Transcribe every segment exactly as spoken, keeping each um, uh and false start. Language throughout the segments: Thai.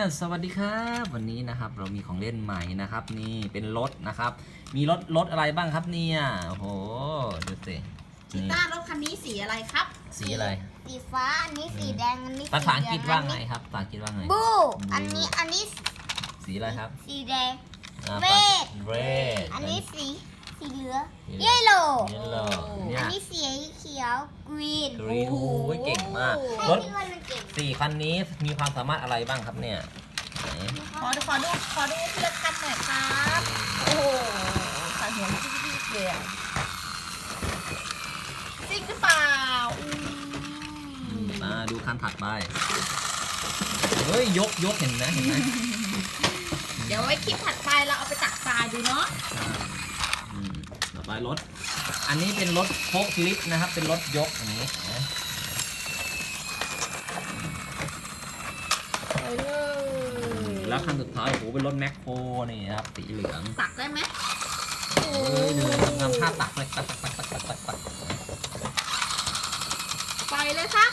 สวัสดีครับวันนี้นะครับเรามีของเล่นใหม่นะครับนี่เป็นรถนะครับมีรถรถอะไรบ้างครับเนี่ยโอ้โหดูสิชิต้ารถคันนี้สีอะไรครับสีอะไรสีฟ้าอันนี้สีแดงอันนี้ภาษาอังกฤษว่าไงครับภาษาอังกฤษว่าไงบูอันนี้อันนี้สีอะไรครับสีแดงเรดเรดอันนี้สีสีเหลืองเยลโล่เยลโล่เนี่ยอันนี้สีเขียวกรีนกรีนโอ้โหเก่งมากรถสี่คันนี้มีความสามารถอะไรบ้างครับเนี่ยขอดูขอดูขอดูทีละคันหน่อยครับโอ้โหคันหัวจิ๊กจิ๊กเลยจริงหรือเปล่ามาดูคันถัดไปเฮ้ยยกยกเห็นไหมเห็นไหมเดี๋ยวไว้คลิปถัดไปเราเอาไปตักทรายดูเนาะต่อไปรถอันนี้เป็นรถโฟล์คลิฟต์นะครับเป็นรถยกอย่างนี้นะแล้วคันสุดท้ายโอ้โหเป็นรถแมคโครนี่นะครับสีเหลืองตักได้ไหมเฮ้ยเดินทำท่าตักเลยตักตักตักตักตักตักไปเลยครับ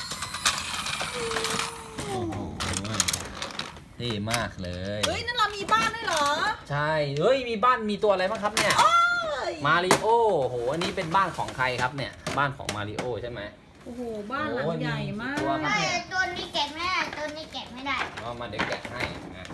โอ้โหเท่มากเลยเฮ้ยนั่นเรามีบ้านด้วยเหรอใช่เฮ้ยมีบ้านมีตัวอะไรบ้างครับเนี่ยมาริโอโหอันนี้เป็นบ้านของใครครับเนี่ยบ้านของมาริโอใช่ไหมโอ้โหบ้านหลังใหญ่มากใช่ตัวนี้แกะไม่ได้ตัวนี้แกะไม่ได้ก็มาเด็กแกะให้นะ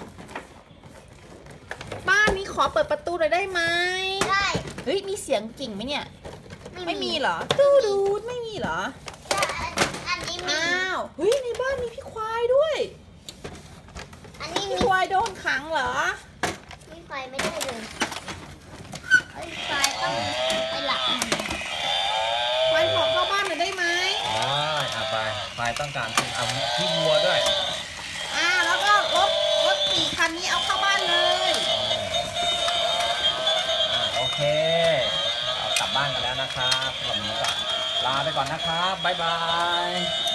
บ้านนี้ขอเปิดประตูหน่อยได้ไหมได้เฮ้ยมีเสียงกิ่งไหมเนี่ยไม่มีเหรอตูดูดไม่มีเหรออันนี้มีอ้าวเฮ้ยในบ้านมีพี่ควายด้วยอันนี้มีควายโดนขังเหรอพี่ควายไม่ได้เลยไอ้ควายต้องไปหลับควายขอเข้าบ้านหน่อยได้ไหมได้อ่ะไปควายต้องการเอาที่วัวด้วยอ่าแล้วก็รถรถสี่คันนี้เอาเข้าบ้านเลยอ่าโอเคเอากลับบ้านกันแล้วนะครับวันนี้ก็ลาไปก่อนนะครับบ๊ายบาย